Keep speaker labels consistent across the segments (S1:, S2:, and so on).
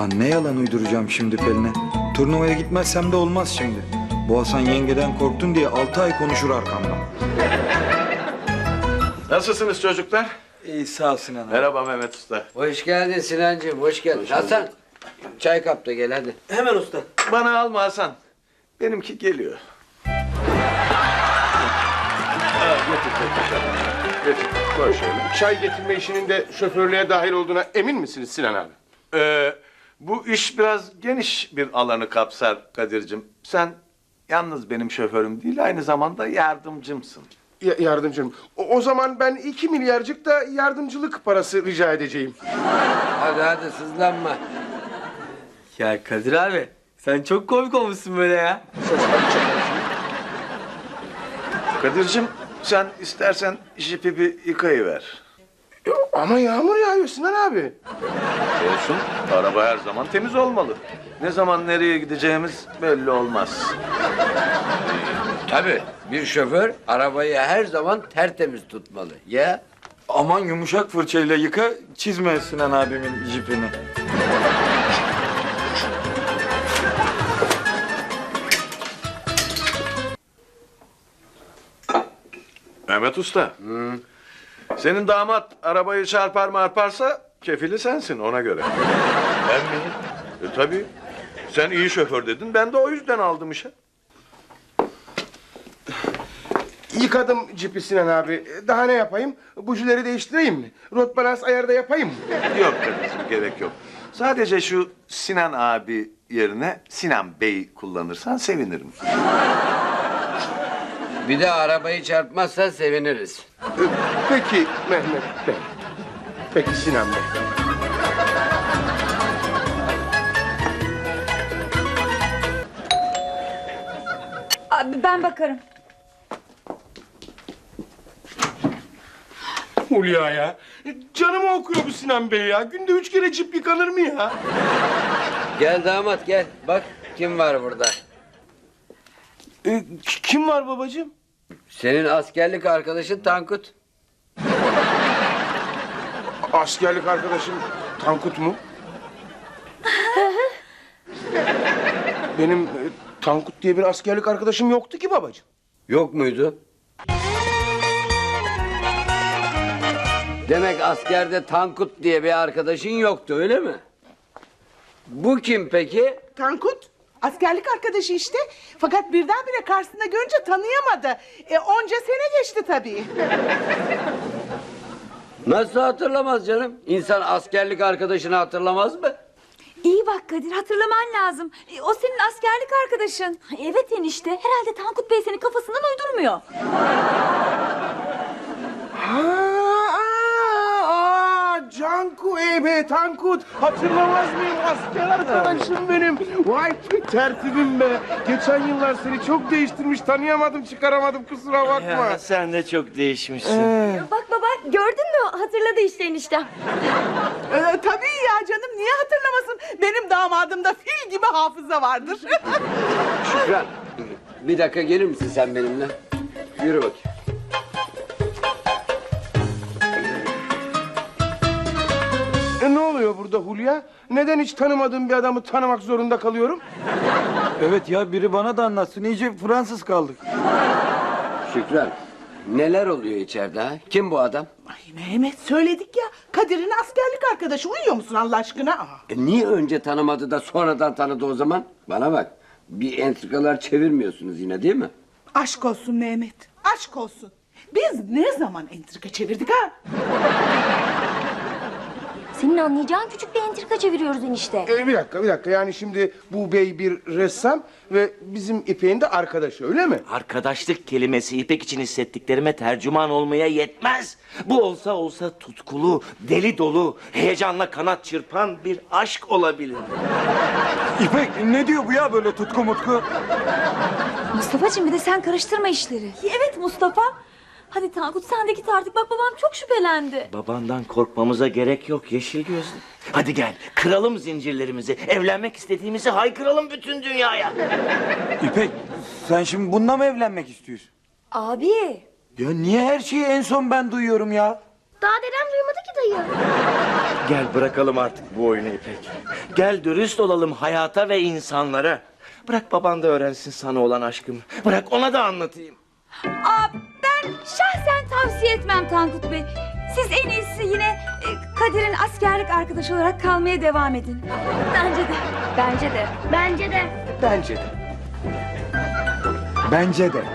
S1: Ulan ne yalan uyduracağım şimdi Pelin'e. Turnuvaya gitmezsem de olmaz şimdi. Bu Hasan yengeden korktun diye 6 ay konuşur arkamdan.
S2: Nasılsınız çocuklar?
S1: İyi sağ ol Sinan abi.
S2: Merhaba Mehmet Usta.
S3: Hoş geldin Sinancığım, hoş geldin. Hasan, çay kap da gel hadi.
S4: Hemen usta.
S2: Bana alma Hasan. Benimki geliyor.
S5: Getir, koy şöyle. Çay getirme işinin de şoförlüğe dahil olduğuna emin misiniz Sinan abi?
S2: Bu iş biraz geniş bir alanı kapsar Kadir'cim. Sen yalnız benim şoförüm değil, aynı zamanda yardımcımsın.
S5: Yardımcım. O zaman ben 2 milyarcık da yardımcılık parası rica edeceğim.
S3: Hadi sızlanma.
S4: Ya Kadir abi sen çok komik olmuşsun böyle ya.
S2: Kadir'cim sen istersen jipi bir yıkayıver.
S5: Ama yağmur yağıyor Sinan abi.
S2: Olsun, araba her zaman temiz olmalı. Ne zaman nereye gideceğimiz belli olmaz.
S3: Tabii, bir şoför arabayı her zaman tertemiz tutmalı. Ya?
S1: Aman yumuşak fırçayla yıka, çizme Sinan abimin jipini.
S2: Mehmet Usta. Senin damat arabayı çarpar marparsa kefili sensin ona göre. Ben miyim? Tabii. Sen iyi şoför dedin, ben de o yüzden aldım işe.
S5: Yıkadım cipi Sinan abi. Daha ne yapayım? Bujileri değiştireyim mi? Rot balans ayarda yapayım mı?
S2: Yok kardeşim, gerek yok. Sadece şu Sinan abi yerine Sinan Bey kullanırsan sevinirim.
S3: Bir de arabayı çarpmazsa seviniriz.
S5: Peki Mehmet Bey. Peki Sinan Bey.
S6: Abi ben bakarım.
S5: Hulya ya. Canımı okuyor bu Sinan Bey ya. Günde 3 kere cip yıkanır mı ya?
S3: Gel damat gel, bak kim var burada.
S5: Kim var babacığım?
S3: Senin askerlik arkadaşın Tankut.
S5: Askerlik arkadaşım Tankut mu? Benim Tankut diye bir askerlik arkadaşım yoktu ki babacığım.
S3: Yok muydu? Demek askerde Tankut diye bir arkadaşın yoktu, öyle mi? Bu kim peki?
S7: Tankut, askerlik arkadaşı işte. Fakat birdenbire karşısında görünce tanıyamadı. Onca sene geçti tabii.
S3: Nasıl hatırlamaz canım? İnsan askerlik arkadaşını hatırlamaz mı?
S6: İyi bak Kadir, hatırlaman lazım. O senin askerlik arkadaşın. Evet enişte, herhalde Tankut Bey seni kafasından uydurmuyor.
S5: Canku be Tankut. Hatırlamaz mıyım asker arkadaşım benim. Vay tertibim be. Geçen yıllar seni çok değiştirmiş. Tanıyamadım, çıkaramadım, kusura bakma.
S4: Ya sen de çok değişmişsin.
S6: Bak baba, gördün mü? Hatırladı işte enişte.
S7: Tabii ya canım, niye hatırlamasın? Benim damadımda fil gibi hafıza vardır.
S3: Şükran, bir dakika gelir misin sen benimle? Yürü bakayım.
S5: Ne oluyor burada Hulya? Neden hiç tanımadığım bir adamı tanımak zorunda kalıyorum?
S1: Evet ya, biri bana da anlatsın. İyice Fransız kaldık.
S3: Şükran, neler oluyor içeride ha? Kim bu adam?
S7: Ay Mehmet, söyledik ya. Kadir'in askerlik arkadaşı. Uyuyor musun Allah aşkına?
S3: Niye önce tanımadı da sonradan tanıdı o zaman? Bana bak, bir entrikalar çevirmiyorsunuz yine değil mi?
S7: Aşk olsun Mehmet, aşk olsun. Biz ne zaman entrika çevirdik ha?
S6: Senin anlayacağın küçük bir entrika çeviriyoruz enişte.
S5: Bir dakika. Yani şimdi bu bey bir ressam ve bizim İpek'in de arkadaşı, öyle mi?
S4: Arkadaşlık kelimesi İpek için hissettiklerime tercüman olmaya yetmez. Bu olsa tutkulu, deli dolu, heyecanla kanat çırpan bir aşk olabilir.
S1: İpek ne diyor bu ya, böyle tutku mutku?
S6: Mustafa'cığım, bir de sen karıştırma işleri. Evet Mustafa. Hadi Tankut, sen de git artık. Bak babam çok şüphelendi.
S4: Babandan korkmamıza gerek yok yeşil gözlü. Hadi gel kıralım zincirlerimizi, evlenmek istediğimizi haykıralım bütün dünyaya.
S1: İpek, sen şimdi bununla mı evlenmek istiyorsun?
S6: Abi.
S1: Ya niye her şeyi en son ben duyuyorum ya?
S8: Daha dedem duymadı ki dayı.
S4: Gel bırakalım artık bu oyunu İpek. Gel dürüst olalım hayata ve insanlara. Bırak baban da öğrensin sana olan aşkımı. Bırak ona da anlatayım.
S6: Ben şahsen tavsiye etmem Tankut Bey. Siz en iyisi yine Kadir'in askerlik arkadaşı olarak kalmaya devam edin. Bence de.
S8: Bence de. Bence de.
S5: Bence de.
S1: Bence de.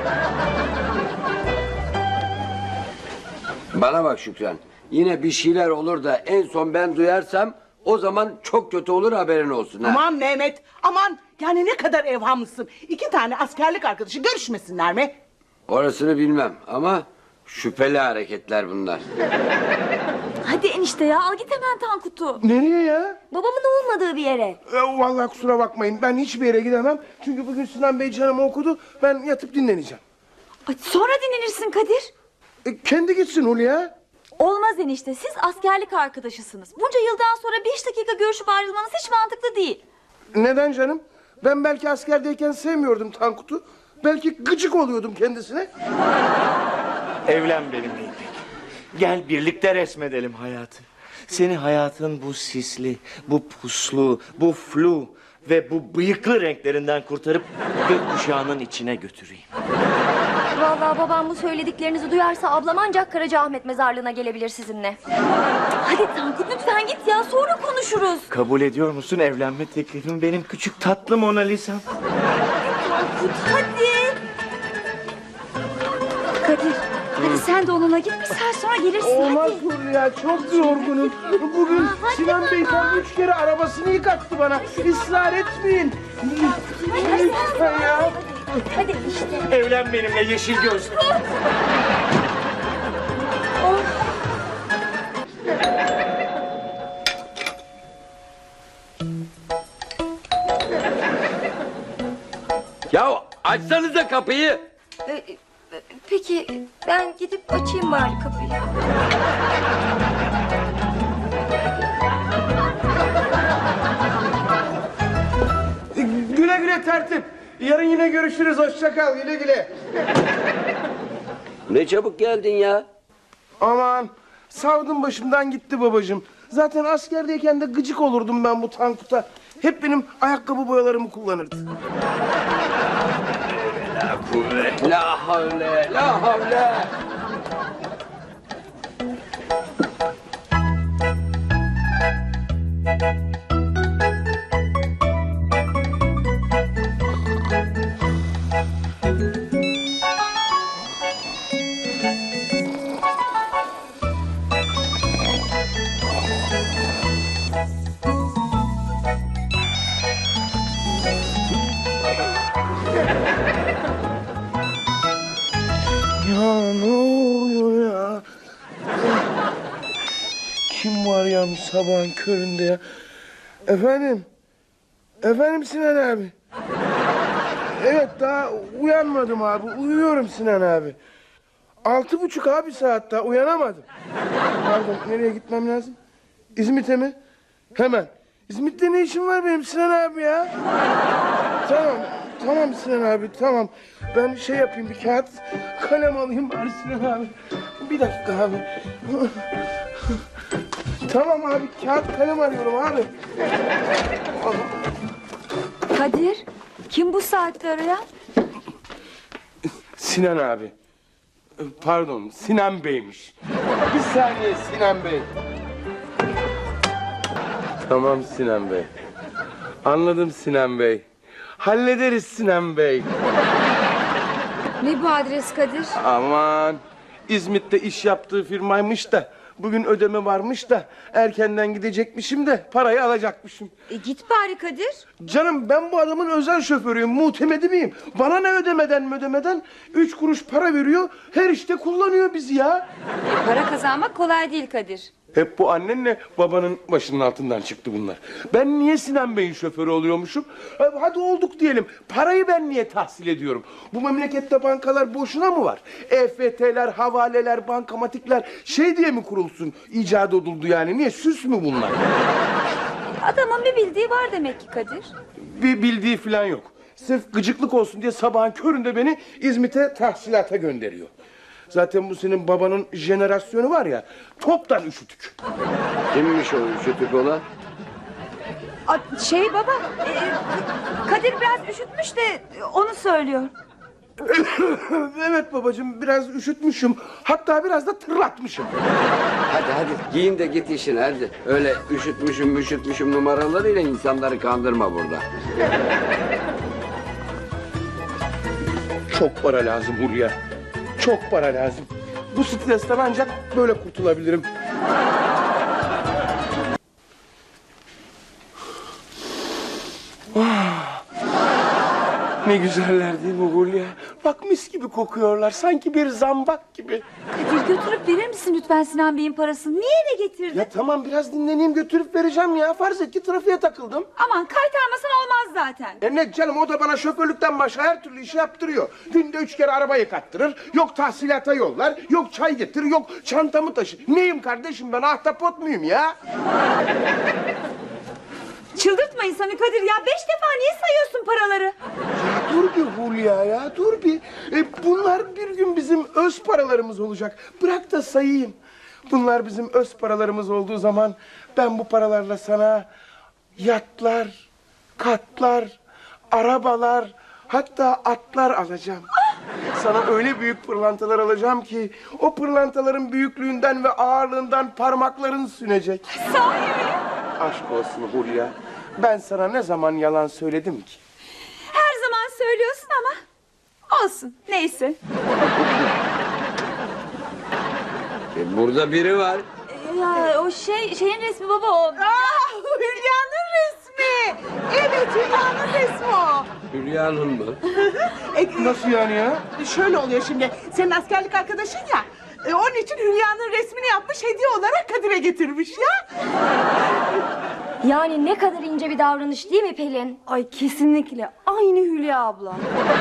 S3: Bana bak Şükran. Yine bir şeyler olur da en son ben duyarsam o zaman çok kötü olur, haberin olsun. Ha?
S7: Aman Mehmet, aman. Yani ne kadar evhamlısın. 2 tane askerlik arkadaşı görüşmesinler mi?
S3: Orasını bilmem ama şüpheli hareketler bunlar.
S6: Hadi enişte ya al git hemen Tankut'u.
S5: Nereye ya?
S6: Babamın olmadığı bir yere.
S5: Vallahi kusura bakmayın. Ben hiçbir yere gidemem. Çünkü bugün Sinan Bey canımı okudu. Ben yatıp dinleneceğim.
S6: Ay, sonra dinlenirsin Kadir.
S5: Kendi gitsin Hulya.
S6: Olmaz enişte siz askerlik arkadaşısınız. Bunca yıldan sonra 5 dakika görüşüp ayrılmanız hiç mantıklı değil.
S5: Neden canım? Ben belki askerdeyken sevmiyordum Tankut'u. Belki gıcık oluyordum kendisine.
S4: Evlen benimle İpek. Gel birlikte resmedelim hayatı. Seni hayatın bu sisli, bu puslu, bu flu ve bu bıyıklı renklerinden kurtarıp gökkuşağının içine götüreyim.
S8: Vallahi babam bu söylediklerinizi duyarsa ablam ancak Karacaahmet mezarlığına gelebilir sizinle.
S6: Hadi Tankut lütfen git ya sonra konuşuruz.
S4: Kabul ediyor musun evlenme teklifimi benim küçük tatlı Mona Lisa'm?
S6: Tankut hadi. Kadir hadi sen de onunla git bir saat sonra gelirsin
S5: Olmaz
S6: hadi.
S5: Hulya, çok yorgunum. Bugün
S6: hadi
S5: Sinan Bey
S6: baba.
S5: tam 3 kere arabasını yıkattı bana. Israr etmeyin. Lütfen ya.
S6: Hadi işte.
S4: Evlen benimle yeşil gözlü.
S3: Ya açsanıza kapıyı.
S8: Peki ben gidip açayım bari kapıyı.
S5: Güle güle tertip. Yarın yine görüşürüz. Hoşça kal. Güle güle.
S3: Ne çabuk geldin ya.
S5: Aman savdum başımdan gitti babacığım. Zaten askerdeyken de gıcık olurdum ben bu Tankut'a. Hep benim ayakkabı boyalarımı kullanırdı.
S3: La havle, la havle.
S5: Ya ne oluyor ya? Kim var ya bu sabahın köründe ya? Efendim? Efendim Sinan abi? Evet daha uyanmadım abi. Uyuyorum Sinan abi. 6:30 abi saat daha uyanamadım. Pardon nereye gitmem lazım? İzmit'e mi? Hemen. İzmit'te ne işim var benim Sinan abi ya? Tamam. Tamam Sinan abi tamam. Ben şey yapayım bir kağıt kalem alayım bari Sinan abi. Bir dakika abi. Tamam abi kağıt kalem arıyorum abi.
S6: Kadir kim bu saatte arayan?
S5: Sinan abi. Pardon Sinan Bey'miş. Bir saniye Sinan Bey. Tamam Sinan Bey. Anladım Sinan Bey. Hallederiz Sinan Bey.
S6: Ne bu adres Kadir?
S5: Aman İzmit'te iş yaptığı firmaymış da bugün ödeme varmış da erkenden gidecekmişim de parayı alacakmışım.
S6: Git bari Kadir.
S5: Canım ben bu adamın özel şoförüyüm, muhtemedi miyim? Bana ne ödemeden 3 kuruş para veriyor, her işte kullanıyor bizi ya.
S6: Para kazanmak kolay değil Kadir.
S5: Hep bu annenle babanın başının altından çıktı bunlar. Ben niye Sinan Bey'in şoförü oluyormuşum? Hadi olduk diyelim. Parayı ben niye tahsil ediyorum? Bu memlekette bankalar boşuna mı var? EFT'ler, havaleler, bankamatikler şey diye mi kurulsun? İcat edildi yani. Niye? Süs mü bunlar?
S6: Adamın bir bildiği var demek ki Kadir.
S5: Bir bildiği falan yok. Sırf gıcıklık olsun diye sabahın köründe beni İzmit'e tahsilata gönderiyor. Zaten bu senin babanın jenerasyonu var ya, toptan üşütük.
S3: Kimmiş o üşütük olan?
S6: Şey baba, Kadir biraz üşütmüş de onu söylüyor.
S5: Evet babacığım, biraz üşütmüşüm. Hatta biraz da tırlatmışım.
S3: Hadi giyin de git işine hadi. Öyle üşütmüşüm numaralarıyla insanları kandırma burada.
S5: Çok para lazım Hulya. Çok para lazım. Bu stresten ancak böyle kurtulabilirim. Ne güzeller değil mi Hulya? Bak mis gibi kokuyorlar. Sanki bir zambak gibi.
S6: Kadir götürüp verir misin lütfen Sinan Bey'in parasını? Niye eve getirdin?
S5: Ya tamam, biraz dinleneyim, götürüp vereceğim ya. Farz et ki trafiğe takıldım.
S6: Aman kaytarmasan olmaz zaten.
S5: Ne canım, o da bana şoförlükten başka her türlü işi yaptırıyor. Günde 3 kere araba yıkattırır. Yok tahsilata yollar. Yok çay getir. Yok çantamı taşı. Neyim kardeşim ben, ahtapot muyum ya?
S6: Çıldırtma insanı Kadir ya. 5 defa niye sayıyorsun paraları?
S5: Dur bir Hulya ya, dur bir. Bunlar bir gün bizim öz paralarımız olacak. Bırak da sayayım. Bunlar bizim öz paralarımız olduğu zaman ben bu paralarla sana yatlar, katlar, arabalar, hatta atlar alacağım. Sana öyle büyük pırlantalar alacağım ki o pırlantaların büyüklüğünden ve ağırlığından parmakların sünecek.
S6: Sahi mi?
S5: Aşk olsun Hulya. Ben sana ne zaman yalan söyledim ki?
S6: Her zaman söylüyorsun ama olsun neyse.
S3: Burada biri var.
S6: Ya o şeyin resmi baba o.
S7: Hülya'nın resmi. Evet, Hülya'nın resmi o.
S3: Hülya'nın mı?
S5: Nasıl yani ya?
S7: Şöyle oluyor şimdi. Senin askerlik arkadaşın ya. Onun için Hülya'nın resmini yapmış, hediye olarak Kadir'e getirmiş ya.
S8: Yani ne kadar ince bir davranış değil mi Pelin?
S6: Ay kesinlikle aynı Hülya abla.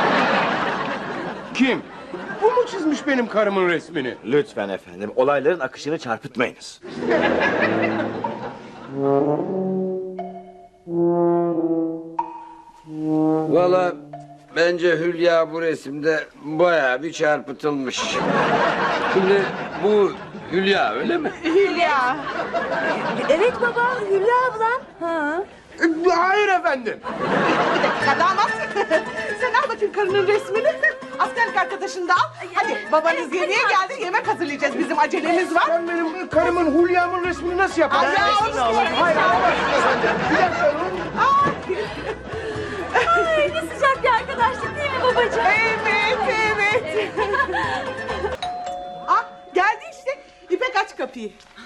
S5: Kim? Bu mu çizmiş benim karımın resmini?
S4: Lütfen efendim, olayların akışını çarpıtmayınız.
S3: Valla bence Hülya bu resimde bayağı bir çarpıtılmış. Şimdi bu Hülya öyle mi?
S7: Hülya.
S6: Evet baba Hülya ablam. Ha.
S5: Hayır efendim.
S7: Bir dakika damat. Sen al bakayım karının resmini. Askerlik arkadaşını da al. Hadi babanız yemeğe geldi, yemek hazırlayacağız. Bizim acelemiz var.
S5: Sen benim karımın Hülya'mın resmini nasıl yaparsın?
S7: Ay ya, onu söyleyeyim.
S5: Hayır, alamazsın efendim. Bir dakika.
S6: Ay ne sıcak bir arkadaşlık değil mi babacığım?
S7: Evet. Ah, geldi işte. İpek aç kapıyı.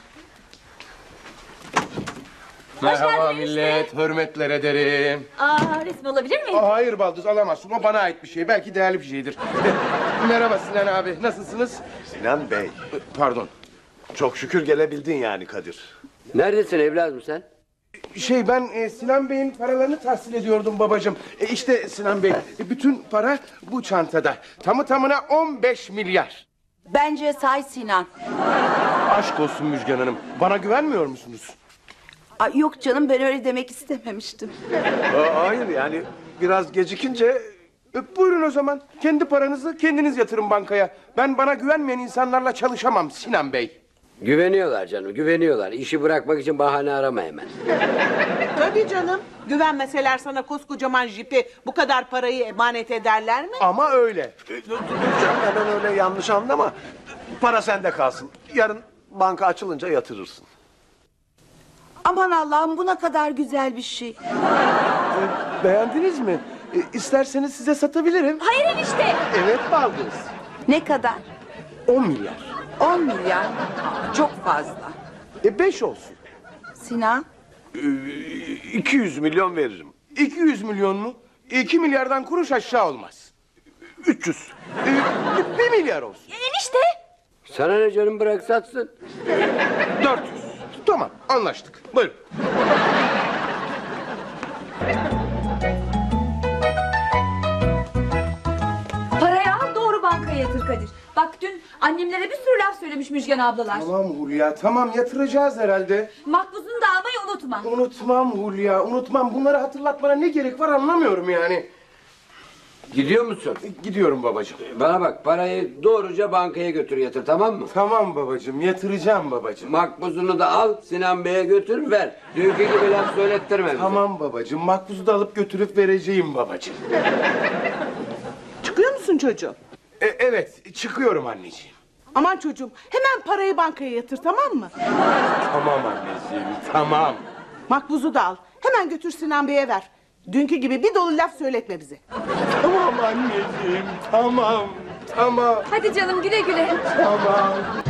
S5: Merhaba millet, hürmetler ederim.
S6: Resmi olabilir miyim?
S5: Hayır Baldız, alamazsın. O bana ait bir şey. Belki değerli bir şeydir. Merhaba Sinan abi, nasılsınız?
S2: Sinan Bey,
S5: Pardon.
S2: çok şükür gelebildin yani Kadir.
S3: Neredesin evladım sen?
S5: Ben Sinan Bey'in paralarını tahsil ediyordum babacığım. İşte Sinan Bey, bütün para bu çantada. Tamı tamına 15 milyar.
S7: Bence say Sinan.
S5: Aşk olsun Müjgan Hanım. Bana güvenmiyor musunuz?
S7: Ay, yok canım, ben öyle demek istememiştim.
S2: Hayır yani biraz gecikince...
S5: Buyurun o zaman. Kendi paranızı kendiniz yatırın bankaya. Ben bana güvenmeyen insanlarla çalışamam Sinan Bey.
S3: Güveniyorlar canım, güveniyorlar. İşi bırakmak için bahane arama hemen.
S7: Tabii canım. Güvenmeseler sana koskocaman jipi bu kadar parayı emanet ederler mi?
S5: Ama öyle.
S2: Dur canım, hemen öyle yanlış anlama. Para sende kalsın. Yarın banka açılınca yatırırsın.
S7: Aman Allah'ım, bu ne kadar güzel bir şey.
S5: Beğendiniz mi? İsterseniz size satabilirim.
S6: Hayır enişte.
S5: Evet Baldız.
S7: Ne kadar?
S5: 10 milyar.
S7: 10 milyar. Aa, çok fazla.
S5: 5 olsun.
S7: Sinan?
S2: 200 milyon veririm.
S5: 200 milyon mu? 2 milyardan kuruş aşağı olmaz.
S2: 300.
S5: 1 milyar olsun.
S6: Enişte.
S3: Sana ne canım, bırak satsın.
S5: 400. Tamam, anlaştık. Buyurun.
S6: Parayı al doğru bankaya yatır Kadir. Bak dün annemlere bir sürü laf söylemiş Müjgan ablalar.
S5: Tamam Hulya, tamam, yatıracağız herhalde.
S6: Makbuzunu da almayı unutma.
S5: Unutmam Hulya, unutmam. Bunları hatırlatmana ne gerek var anlamıyorum yani.
S3: Gidiyor musun?
S5: Gidiyorum babacığım.
S3: Bana bak, parayı doğruca bankaya götür yatır, tamam mı?
S5: Tamam babacığım, yatıracağım babacığım.
S3: Makbuzunu da al, Sinan Bey'e götür ver. Dünkü gibi laf söylettirme bize.
S5: Tamam babacığım, makbuzu da alıp götürüp vereceğim babacığım.
S7: Çıkıyor musun çocuğum?
S5: Evet, çıkıyorum anneciğim.
S7: Aman çocuğum hemen parayı bankaya yatır tamam mı?
S5: Tamam anneciğim, tamam.
S7: Makbuzu da al. Hemen götür Sinan Bey'e ver. Dünkü gibi bir dolu laf söyletme bize.
S5: Tamam anneciğim, tamam. Tamam,
S6: Hadi canım güle güle.
S5: tamam.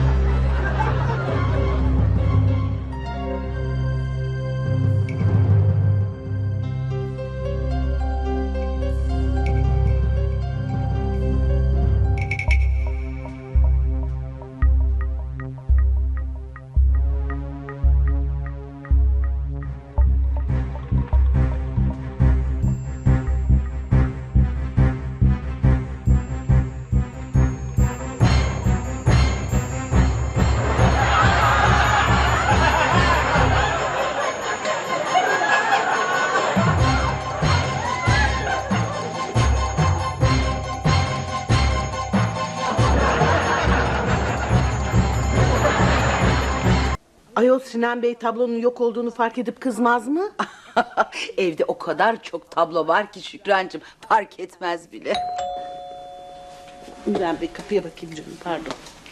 S7: Ayol Sinan Bey tablonun yok olduğunu fark edip kızmaz mı?
S9: Evde o kadar çok tablo var ki Şükrancığım fark etmez bile.
S7: Ben bir kapıya bakayım canım pardon.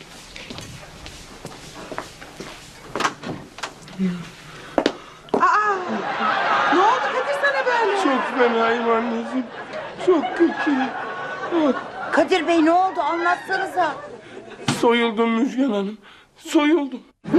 S7: Aa! Ne oldu Kadir sana böyle?
S5: Çok fenayım anneciğim, çok kötü.
S9: Kadir Bey ne oldu anlatsanıza.
S5: Soyuldum Müjgan Hanım, soyuldum.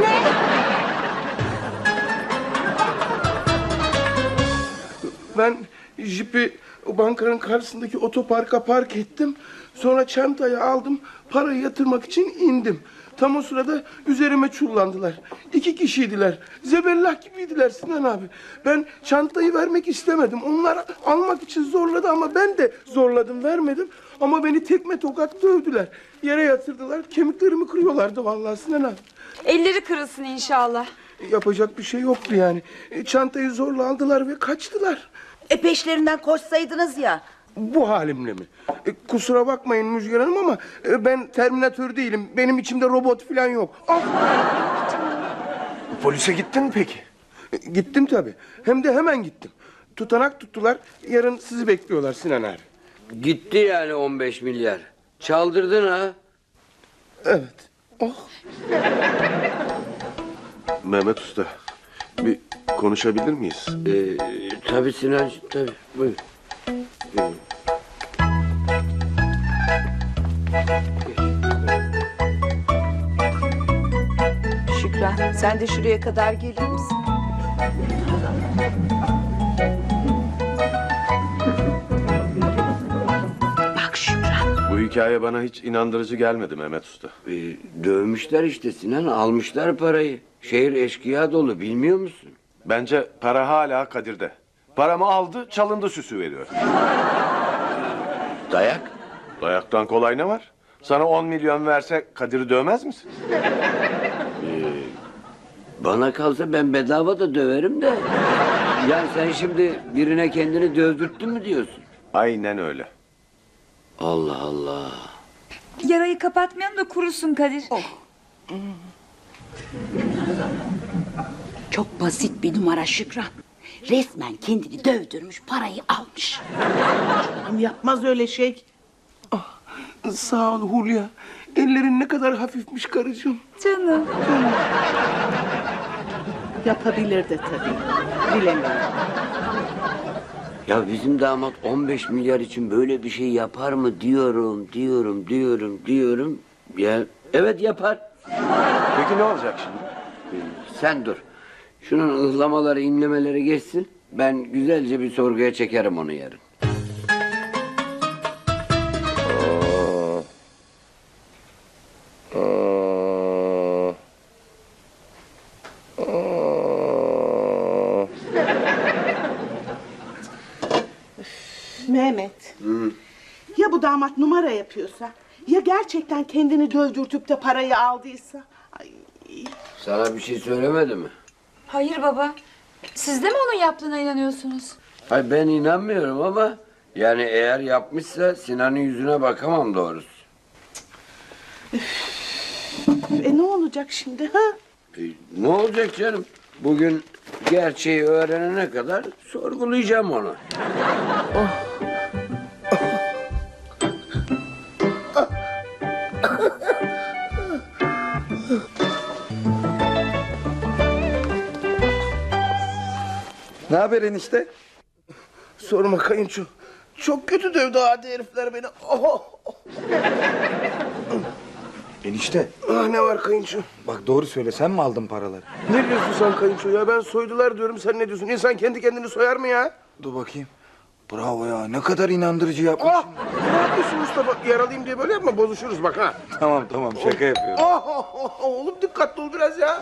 S5: Ben jipi o bankanın karşısındaki otoparka park ettim. Sonra çantayı aldım, parayı yatırmak için indim. Tam o sırada üzerime çullandılar. 2 kişiydiler. Zebellah gibiydiler Sinan abi. Ben çantayı vermek istemedim. Onlar almak için zorladı ama ben de zorladım, vermedim. Ama beni tekme tokat dövdüler. Yere yatırdılar, kemiklerimi kırıyorlardı vallahi Sinan abi.
S6: Elleri kırılsın inşallah.
S5: Yapacak bir şey yoktu yani. Çantayı zorla aldılar ve kaçtılar.
S9: Peşlerinden koşsaydınız ya.
S5: Bu halimle mi? Kusura bakmayın Müjgan Hanım ama ben Terminatör değilim. Benim içimde robot falan yok. Ah!
S2: Polise gittin mi peki?
S5: Gittim tabii. Hem de hemen gittim. Tutanak tuttular. Yarın sizi bekliyorlar Sinan abi.
S3: Gitti yani 15 milyar. Çaldırdın ha.
S5: Evet. Oh.
S2: Mehmet Usta, bir konuşabilir miyiz?
S3: Tabii Sinancığım, tabii. Buyur.
S9: Şükran sen de şuraya kadar gelir misin? Bak Şükran.
S2: Bu hikaye bana hiç inandırıcı gelmedi Mehmet Usta.
S3: Dövmüşler işte Sinan, almışlar parayı. Şehir eşkıya dolu, bilmiyor musun?
S2: Bence para hala Kadir'de. Paramı aldı, çalındı süsü veriyor.
S3: Dayak.
S2: Dayaktan kolay ne var? Sana 10 milyon verse Kadir'i dövmez misin?
S3: Bana kalsa ben bedava da döverim de. Yani sen şimdi birine kendini dövdürttün mü diyorsun?
S2: Aynen öyle.
S3: Allah Allah.
S6: Yarayı kapatmayalım da kurusun Kadir.
S9: Çok basit bir numara Şükran. Resmen kendini dövdürmüş parayı almış.
S7: Yapmaz öyle şey.
S5: Sağ ol Hulya. Ellerin ne kadar hafifmiş karıcığım.
S6: Canım.
S7: Yapabilir de tabii. Bilemiyorum.
S3: Ya bizim damat 15 milyar için böyle bir şey yapar mı diyorum. Ya evet yapar.
S2: Peki ne olacak şimdi?
S3: Sen dur. Şunun ıhlamaları, inlemeleri geçsin. Ben güzelce bir sorguya çekerim onu yarın.
S7: Mehmet. Ya bu damat numara yapıyorsa? Ya gerçekten kendini dövdürtüp de parayı aldıysa? Ay.
S3: Sana bir şey söylemedi mi?
S6: Hayır baba. Siz de mi onun yaptığına inanıyorsunuz?
S3: Hayır ben inanmıyorum ama Yani eğer yapmışsa Sinan'ın yüzüne bakamam doğrusu.
S7: Ne olacak şimdi ha?
S3: Ne olacak canım? Bugün gerçeği öğrenene kadar sorgulayacağım onu.
S1: Ne haber enişte?
S5: Sorma kayınço. Çok kötü dövdü adi herifler beni. Oh.
S1: Enişte
S5: Ah, ne var kayınço?
S1: bak doğru söyle, sen mi aldın paraları?
S5: Ne diyorsun sen kayınço ya? Ben soydular diyorum, sen ne diyorsun? İnsan kendi kendini soyar mı ya?
S1: Dur bakayım. Bravo ya, ne kadar inandırıcı yapmışsın.
S5: Ah! Ne yapıyorsun Mustafa? Yaralıyım diye böyle yapma, bozuşuruz bak ha.
S1: Tamam şaka yapıyorum.
S5: Oğlum dikkatli ol biraz ya.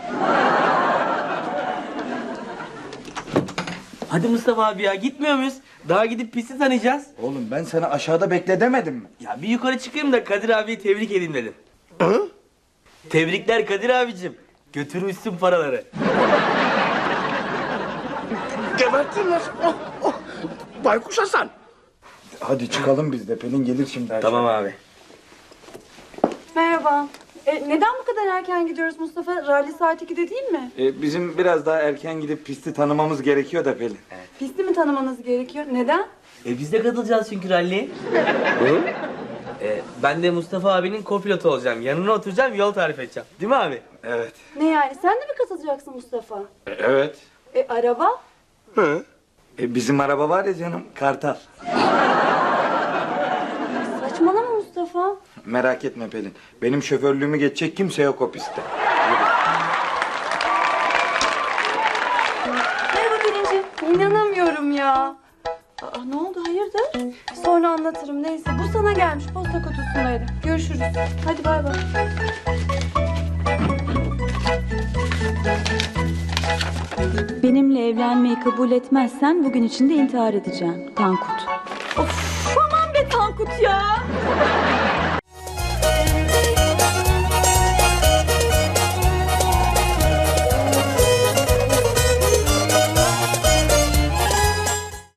S10: Hadi Mustafa abi ya, gitmiyor muyuz? Daha gidip pisti tanıyacağız.
S1: Oğlum ben sana aşağıda bekle demedim mi?
S10: Ya bir yukarı çıkayım da Kadir abiyi tebrik edeyim dedim. Tebrikler Kadir abicim. Götürmüşsün paraları.
S5: Gebertinler. Baykuş Hasan.
S1: Hadi çıkalım biz de, Pelin gelir şimdi.
S10: Tamam abi.
S6: Merhaba. Neden bu kadar erken gidiyoruz Mustafa? Rally saat 2'de değil mi?
S1: Bizim biraz daha erken gidip pisti tanımamız gerekiyor da Pelin.
S6: Pisti mi tanımanız gerekiyor? Neden?
S10: Biz de katılacağız çünkü ralliye. Ben de Mustafa abinin kopilotu olacağım. Yanına oturacağım, yol tarif edeceğim. Değil mi abi?
S1: Evet.
S6: Ne yani? Sen de mi katılacaksın Mustafa?
S1: Evet.
S6: Araba?
S1: Bizim araba var ya canım, Kartal.
S6: Saçmalama Mustafa.
S1: Merak etme Pelin. Benim şoförlüğümü geçecek kimse yok o pistte.
S6: Merhaba Pelin'ciğim. İnanamıyorum ya. Ne oldu hayırdır? Sonra anlatırım neyse. Bu sana gelmiş, posta kutusundaydı. Görüşürüz. Hadi bay bay. Benimle evlenmeyi kabul etmezsen bugün içinde intihar edeceğim. Tankut.